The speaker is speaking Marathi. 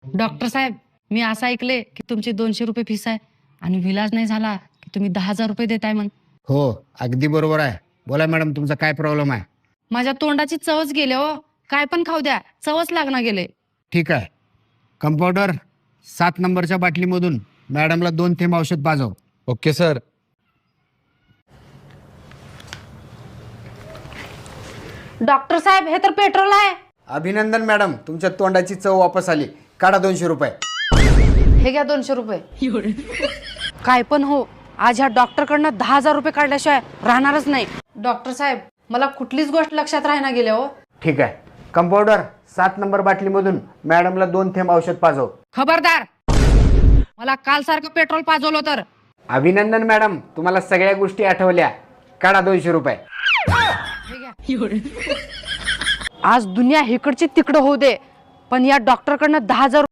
डॉक्टर साहेब, मी असं ऐकले की तुमची 200 रुपये फीस आहे आणि विलाज नाही झाला की तुम्ही 10,000 रुपये देताय मग. हो, अगदी बरोबर आहे. बोला मॅडम, तुमचा काय प्रॉब्लेम आहे? माझ्या तोंडाची चवच गेले हो. काय पण खाऊ द्या, चवच लागणार गेले. ठीक आहे. कंपाऊंडर, 7 नंबरच्या बाटलीमधून मॅडमला 2 थेंब औषध पाजव. Okay sir. डॉक्टर साहेब, हे तर पेट्रोल आहे. अभिनंदन मॅडम, तुमच्या तोंडाची चव वापस आली. काढा 200 रुपये. हे घ्या 200 रुपये. काय पण हो, आज ह्या डॉक्टरकडनं 10,000 रुपये काढल्याशिवाय राहणारच नाही. डॉक्टर साहेब, मला कुठलीच गोष्ट लक्षात राहणार गेल्या हो. ठीक आहे. कंपाऊंडर, 7 नंबर बाटलीमधून मॅडमला 2 थेंब औषध पाजव. खबरदार, मला काल सारखं पेट्रोल पाजवलं तर. अभिनंदन मॅडम, तुम्हाला सगळ्या गोष्टी आठवल्या. काढा 200 रुपये. आज दुनिया इकडची तिकडं होऊ दे, पण या डॉक्टरकडनं 10,000